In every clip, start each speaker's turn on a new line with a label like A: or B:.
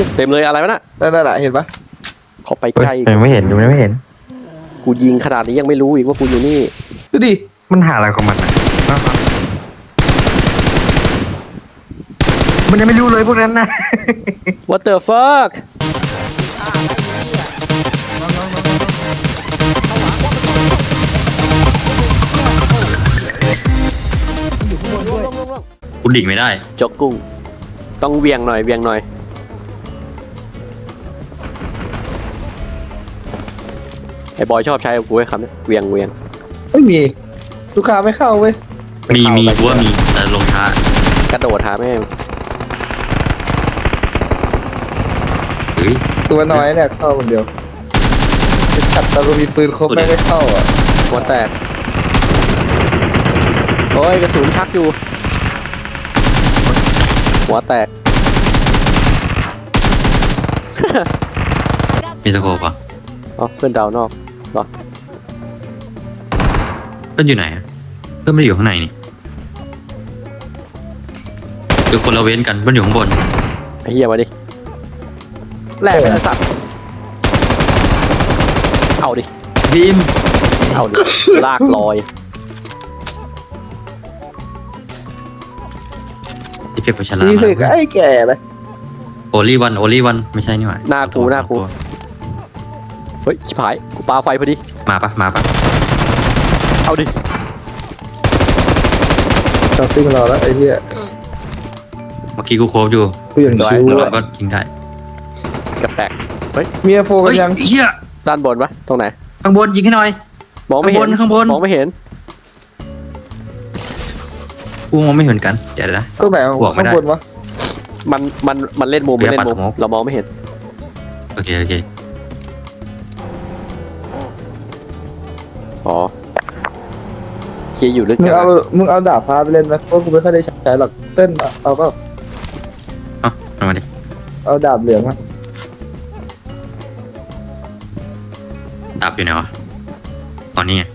A: เต็มเลยอะไรวะน่ะ
B: นั่นแหละเห็นปะ
A: ขอไปใกล้
C: ยังไม่เห็นยังไม่เห็น
A: กูยิงขนาดนี้ยังไม่รู้อีกว่ากูอยู่นี่
B: ดูดิ
C: มันหาอะไรของมันอ่ะมันยังไม่รู้เลยพวกนั้นนะ
A: What the fuck
D: กูดิ่งไม่ได้
A: จกกุ้งต้องเวียงหน่อยเวียงหน่อยไอ้บอยชอบใช้กูไว้คำนี้เวียงเวียง
B: ไม่มีลูกค้าไม่เข้าเว้ย
D: มีกูว่ามีแต่ลงช้าก
A: ระโดดหาแม่ง
D: เฮ้ย
B: ตัวน้อยเนี่ยเข้าคนเดียวขัดตะลุมีปืนครบไม่เข้าอ่ะ
A: หัวแตกโอ้ยกระสุนชักอยู่หัวแตก
D: มีตะโกบอ่ะ
A: อ๋อเพื่อนดาวนอกเหรอ
D: เพื่อนอยู่ไหนอะเพื่อนไม่ได้อยู่ข้างในนี่คือคนละเว้นกันเพื่อนอยู่ข้างบน
A: ไอ้เหี้ยมาดิแลกเป็นสัตว์เอาดิ
D: บีม
A: เอาดิลากลอย
D: ที่เก็บไปฉลา
B: นี่
D: ม
B: เลยไอ้แก่เลย
D: โอลี่วันไม่ใช่นี่หว่า
A: หน้ากูเฮ้ยชิบหายกูปาไฟพอดี
D: มาปะ
A: เอาดิ
B: จอดซิ่งรอแล้วไอ้เหี้ย
D: เมื่อกี้กูโคบอยู่
B: กูอย่างชิว
D: แล้ว
B: เล
D: เรา
B: ย
D: ก็ยิงได้
A: กระแตก
B: เมียโฟกันยัง
D: เฮีย
A: ด้านบนปะตรงไหน
D: ข้างบนยิงให้หน่อย
A: มองไม่เห็น
D: ข้างบน
A: มองไม่เห็น
D: กูมองไม่เห็นกันเดี๋ยวนะ
B: ก็ไหน
D: บอกไม่
B: ข้าง
D: ได้
B: บนวะ
A: มันเล่นมุมมันเล่นมุม
D: เดี๋ยวปัดสโมก
A: เรามองไม่เห็น
D: โอเค
A: อ๋อเคียอยู่ลึก
B: มึ
A: จั
B: ง
A: ง
B: เอา
A: อะ
B: มึงเอาดาบฟ้าไปเล่นไหมเพราะกูไม่ค่อยได้ใช้หรอกเต้นเอาก็
D: เอามาดิ
B: เอาดาบเหลืองอะ
D: ดับอยู่ไหนวะตอนนี้ไง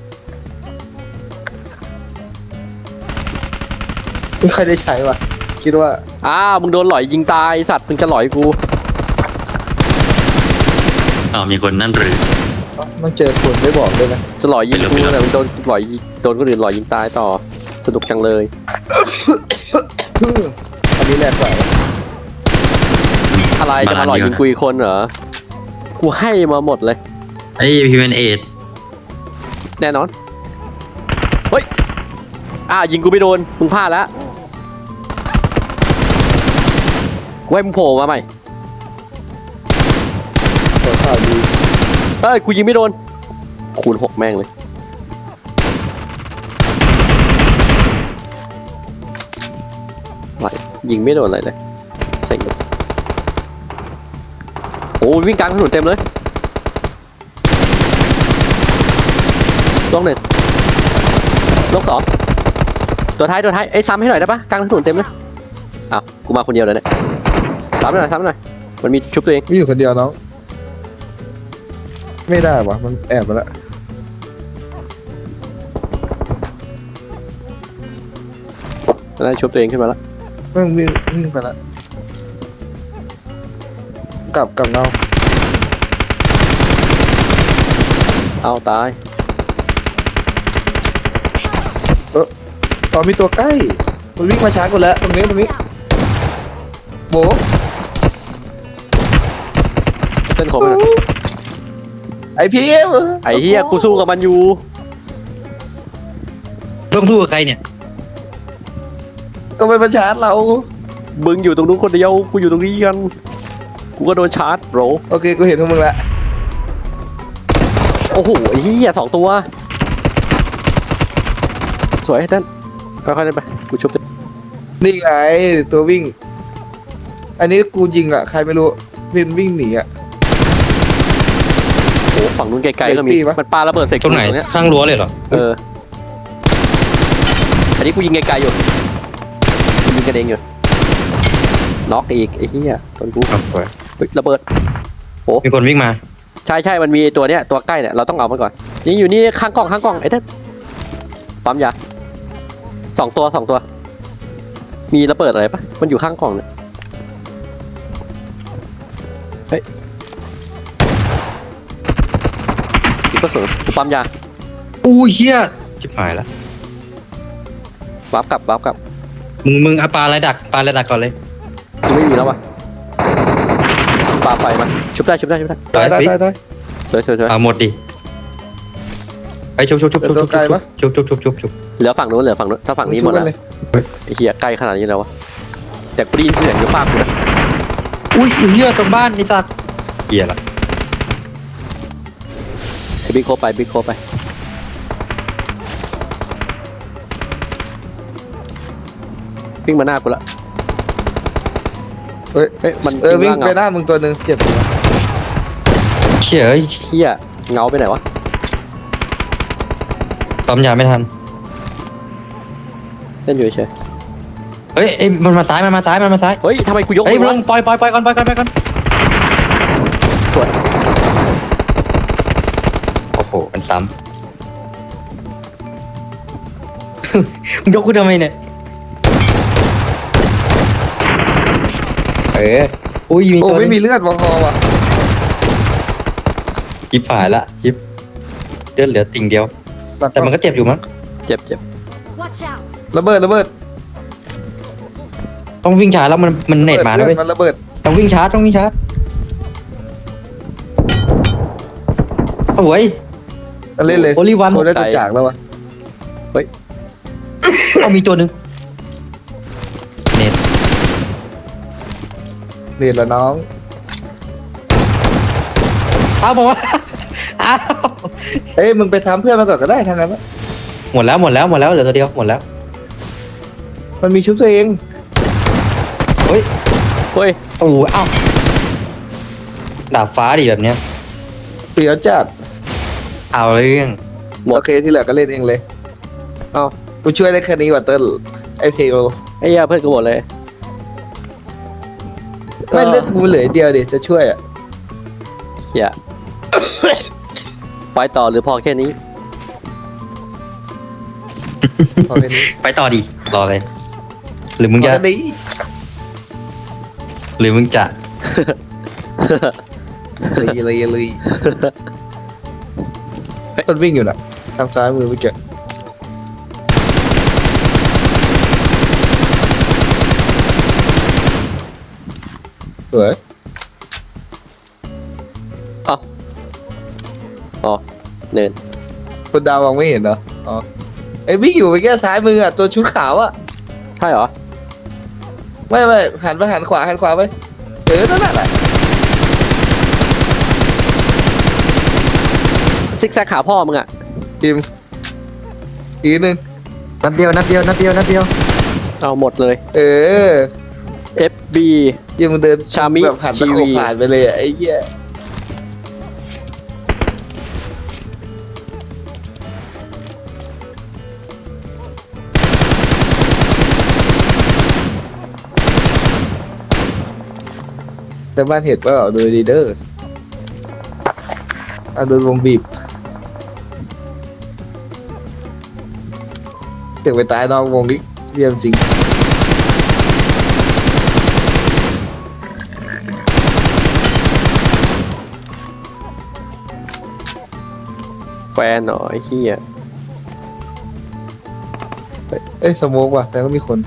B: ไม่ค่อยได้ใช้ว่ะคิดว่า
A: มึงโดนหลอยยิงตายไอ้สัตว์มึงจะหลอยกู
D: มีคนนั่นหรือ
B: มันเจอคนไม่บอกด้วยนะ
A: จะหลอยยิงกู
D: ไปเลย
A: แต่มึงโดนหลอยโดนคนอื่นหลอยยิงตายต่อสนุกจังเลย
B: อันนี้แรงกว่า
A: อะไรจะมาหลอยยิงกูอีกคนเหรอกูให้มาหมดเลย
D: ไอ้พีเวนเอด
A: แน่นอนเฮ้ยยิงกูไม่โดนมึงพลาดแล้วกูให้มึงโผล่มาใหม่
B: ตัวข่าวดี
A: เฮ้ยกูยิงไม่โดนคูณ 6แม่งเลยอะไรยิงไม่โดนอะไรเลยเซ็งเลยโอ้วิ่งกลางถนนเต็มเลยลงหนึ่งลงสองตัวท้ายไอ้ซ้ำให้หน่อยได้ปะกลางถนนเต็มเลยกูมาคนเดียวเลยเนี่ยซ้ำหน่อยมันมีชุบตัวเอง
B: ไม่อยู่คนเดียวน้องไม่ได้วะมันแอบมาแล้ว
A: ได้ชุบตัวเองขึ้นมาแล้ว
B: มันวิ่งไปแล้วกลับเงา
A: เอาตาย
B: ตอนมีตัวใกล้มันวิ่งมาช้ากูแล้วตรงนี้โบ
A: เต้นขมไปหน่อย
B: ไอพีเอฟ
A: ไอ้เฮียกูสู้กับมันอยู่
D: ต้องสู้กับใครเนี่ย
B: ก็ไปมาชาร์จเรา
A: มึงอยู่ตรงนู้นคนเดียวกูอยู่ตรงนี้กันกูก็โดนชาร์จโบร
B: โอเคกูเห็นพวกมึงแล้ว
A: โอ้โหไอ้เฮีย2 ตัวสวยเต้นค่อยๆเล่นไปกูชุบ
B: นี่ไงตัววิ่ง อันนี้กูยิงอ่ะใครไม่รู้วิ่งหนีอ่ะ
A: โอ้ฝั่งนู้นไกลๆก็มี
B: เด็กปีปะ
A: มันปาระเบิดใส่
D: ตรงไหน
A: กูเนี้ย
D: ข้างรั้วเลยเหรอ
A: อันนี้กูยิงไกลๆอยู่กูยิงกระเด้งอยู่น็อกอีกไอ้เฮียต้นกู
D: ครับสวย
A: เฮ้ยระเบิด
D: มีคนวิ่งมา
A: ใช่มันมีตัวเนี้ยตัวใกล้เนี่ยเราต้องเอามันก่อนนี่อยู่นี่ข้างกล้องไอ้เต้นปั๊มยา2 ตัวมีระเบิดอะไรปะมันอยู่ข้างกล่องเนี่ยอีกก็สูงกูปั๊มยา
D: อู้เฮียชิบหายละ
A: วาร์ปกลับ
D: มึงเอาปลาอะไรดักก่อนเลย
A: กูไม่มีแล้ววะปาไฟมาชุบได้
B: ตาย
A: สวย
D: หมดดิไอ้ชุบ
B: ตัวไกลปะ
D: ชุบ
A: เหลือฝั่งนู้นถ้าฝั่งนี้หมดแล้ว
B: เลย
A: ไอ้เหี้ยใกล้ขนาดนี้แล้ววะแต่กูได้ยินเสียงอยู่ฟาดกูนะ
D: อุ้ยเฮียตรงบ้านไอ้สัตว์เฮียละ
A: ไอ้บิ๊กโคไปวิ่งมาหน้ากูละ
B: เฮ้ย
A: เฮ้ยมัน
B: วิ่ง
A: ร่า
B: ไป
A: เงา
B: หน้ามึงตัวหนึ่งเจ็บอยู่นะ
D: เชี่ยเอ้ย
A: เหี้ยเงาไปไหนวะ
D: ปั๊มยาไม่ทัน
A: เล่นอยู่เฉย
D: เฮ้ยมันมาซ้าย
A: เฮ้ยทำไมกูยก
D: เฮ้ย
A: มือ
D: ล
A: วะ
D: งปล่อยก่อน
A: สวย
D: โอ้โหมันซ้ำ มึงยกกูทำไมเนี่ย อุ้ยมี
B: โอ้
D: ตัว
B: ไม่มีเลือดวอคอว่ะ
D: ชิบหายละชิบเลือดเหลือติ่งเดียว แต่มันก็เจ็บอยู่มั้ง
A: เจ็บ
E: Watch out!
B: ระเบิด
D: ต้องวิ่งช้าแล้วมันเน็ตมาแล้วเว้ย
B: มันระเบิด
D: ต้องวิ่งช้าโอ้ย
B: เล่นเลย
D: Only one
B: โคได้ตัวจากแล้ววะ
D: เอามีตัวหนึ่งเน็ต
B: เรียนแล้วน้อง
D: เอาบอกว่า อ้าว
B: เอ้ยมึงไปทำเพื่อนมาก่อนก็ได้ทางนั้นนะ
D: หมดแล้วเหลือตัวเดียวหมดแล้ว
B: มันมีชุบตัวเอง
D: เฮ้ย
A: เฮ้ย
D: โอ้โหเอ้าดาบฟ้าดิแบบเนี้ย
B: เปรียวจัด
D: เอาเรื่อง
A: หมด
B: โอเคที่เหลือก็เล่นเองเลย
A: เอ้า
B: กูช่วยได้แค่นี้ว่ะเติ้ลไอเพล
A: ไอ้เหี้ยเพื่อนกูหมดเลย
B: ไม่เลือกกูเหลือเดียวดิจะช่วยอ่ะ
A: เหี้ยไปต่อหรือพอแค่นี้
B: พอแค่นี้
D: ไปต่อดิรอเลยหรือมึง
B: พอ
D: จะ
B: แค่นี้
D: หรือมึงจะ
B: เลยต้นวิ่งอยู่น่ะทางซ้ายมือเมื่อกี้สวย
A: อ๋อเนิน
B: คนดาวมองไม่เห็นเหรออ๋อไอ้วิ่งอยู่เมื่อกี้ซ้ายมืออ่ะตัวชุดขาวอ่ะ
A: ใช่เหรอ
B: ไม่หันไปหันขวาไปนั่นแหละ
A: ซิกแซกขาพ่อมึงอะ
B: ทีมอีกนึง
C: นัดเดียว
A: เอาหมดเลย FB
B: ยังมึงเดิน
A: ชามิ
B: แบบหันตะโข
A: ทีวี
B: บผ่านไปเลยอ่ะไอ้เหี้ยแต่บ้านเห็ดว่าโดยดีเดอร์โดนวงบีบเสียงไปตายนอกวงนี้เยี่ยมจริง
A: แฟนหน่อยเฮีย
B: เอ้ยสโมกว่ะแต่ก็มีคน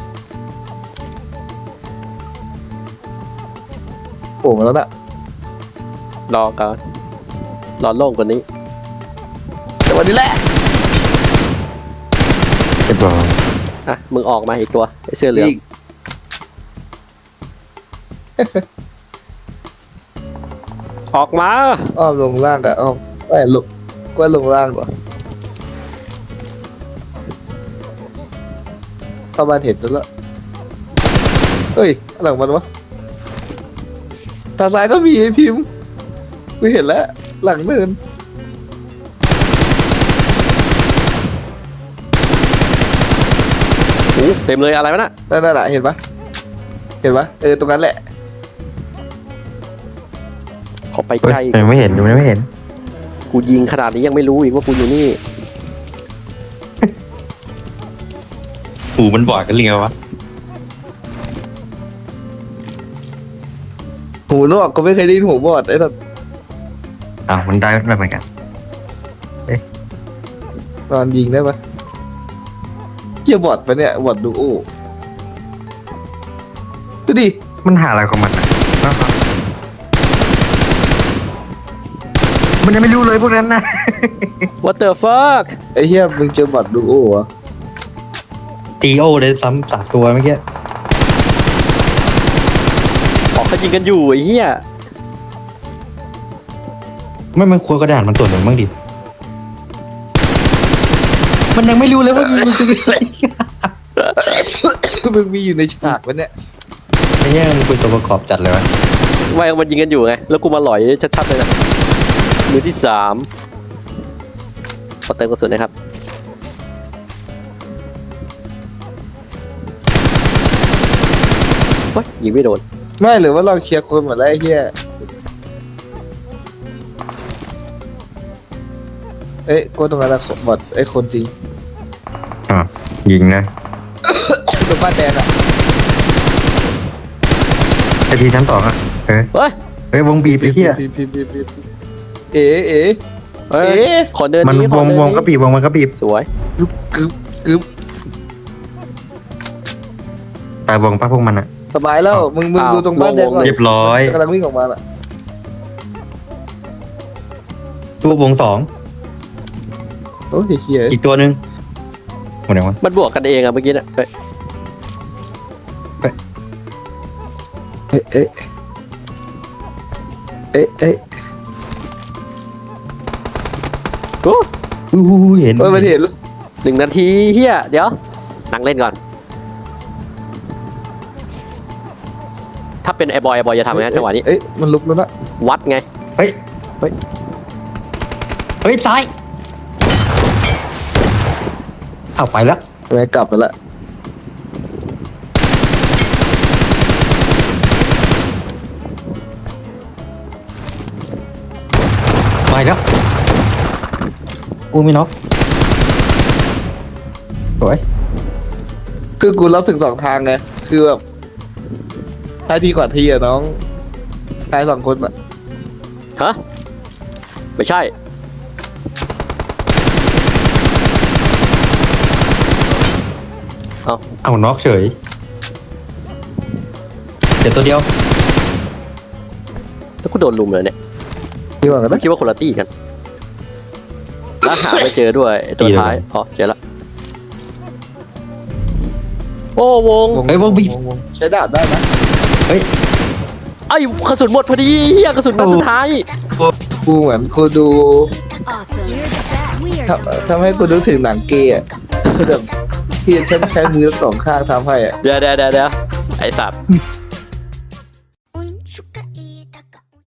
B: โผล่มาแล้วน่ะ
A: รอก่อนรอโล่งกว่านี้
B: แต่วันนี้แหละ
C: เรียบร้อย
A: อ่ะ มึงออกมาอีกตัวไอเสื้อเหลือง
B: อีก
A: ออกมา
B: อ้อมลงล่างอะอ้อมลงก็ลงล่างกว่าเข้าบ้านเห็นแล้วเฮ้ยหลังมันวะทางซ้ายก็มีไอ้พิมพ์กูเห็นแล้ว หลังเนิน
A: โอ้เต็มเลยอะไรวะน่ะ
B: นั่นน่ะเห็นปะตรงนั้นแหละ
A: ขอไป
C: เฮ้ย
A: ใกล้
C: ยังไม่เห็น
A: กูยิงขนาดนี้ยังไม่รู้อีกว่ากูอยู่นี่
D: หูมันบอดกันเรียววะ
B: หูนอกก็ไม่เคยได้ยินหูบอดไอ้นั่น
C: อ้าวมันได้แบบเหมือนกัน
B: นอนยิงได้ปะเกี่ยบอดปะเนี่ยบอดดูโอ้ดูดิ
C: มันหาอะไรของมันอ่ะมันยังไม่รู้เลยพวกนั้นนะ
A: what the fuck
B: ไอ้เหี้ยมึงเจอบอดดูโอ้เหรอ
D: ตีโอเลยซ้ำ3 ตัวเมื่อกี้
A: ออกเขายิงกันอยู่ไอ้เหี้ย
D: ไม่มันควรกระดานมันส่วนหนึ่งบ้างดิมันยังไม่รู้เลยว่ายิงมันคืออะไร
B: มึงมีอยู่ในฉากปะเนี่ย
D: ไอ้เหี้ยมันเป็นตัวประกอบจัดเลยวะ
A: ไม่มันยิงกันอยู่ไงแล้วกูมาหลอยชัดๆเลยนะมือที่3ขอเติมกระสุนนะครับโอ๊ยยิงไม่โดน
B: ไม่หรือว่าเราเคลียร์คนหมดแล้วไอ้เหี้ยเอ้ยกูตรงนั้นละบอดไอ้คนจริง
C: อ่ะยิงนะ
B: ตรงบ้านแดงอ่ะ
C: ไอทีชั้น2อ่ะ
A: เฮ้ย
C: เฮ้ยวงบีบไอ้เหี้ย
B: ปีเอ๋เอ๋
A: เฮ้ย
B: เอ๊ะ
A: ขอเดิน
C: มัน
A: นี้ข
C: ว
A: อง เดิน
C: วงก็
A: นี้
C: บีบวงมันก็บีบ
A: สวย
B: กึบกึบกึบ
C: ตายวงป้าพวกมันอ่ะ
B: สบายแล้วมึงดูตรงบ้านแดงก่อน
C: เรียบร้อย
B: กำลังวิ่งออกมาอ่ะ
D: ตัววง
B: โอ้ยเหี้ย
D: 2อีกตัวหนึ่งหมดยังวะ
A: มันบวกกันเองอะเมื่อกี้น่ะเฮ้ย
B: เอ๊ะเอ๊ะเอ๊ะเอ๊ะ
A: โอ้
D: เห็น
B: เอ้ยมันเห็น
A: 1 นาทีเฮียเดี๋ยวนั่งเล่นก่อน ถ้าเป็นไอ้บอยจะทำไงจังหวะนี้
B: เอ้ยมันลุกแล้วนะ
A: วัดไง
D: เฮ้ยซ้ายเอาไปแล้ว
B: แม่งกลับไปละ
D: ไปแล้วกูไม่น็อกสวย
B: คือกูรับสึก2 ทางไงคือแบบท้ายทีก่อนทีอะน้องท้าย2 คนอะ
A: ฮะ ไม่ใช่
D: เอาน็อกเฉยเดี๋ยวตัวเดียว
A: แล้วกูโดนลุมเลยเนี่ย
B: ทีก่อนกันนะ
A: คิดว่าคนละตี้กัน แล้วหาไม่เจอด้วยไอ้ตัวท้าย อ๋อ เจอละ โอ้วง
D: เฮ้ยวงบีบ
B: ใช้ดาบได้นะ
A: ไอ้กระสุนหมดพอดีเฮียกระสุนนัดสุดท้าย
B: กูเหมือนกูดู
E: Awesome. You're the best. We are
B: ทำให้กูนึกถึงหนังเกย์อะแบบที่ใช้มือ2 ข้างทำให้อะ
A: เดี๋ยวไอ้สัตว์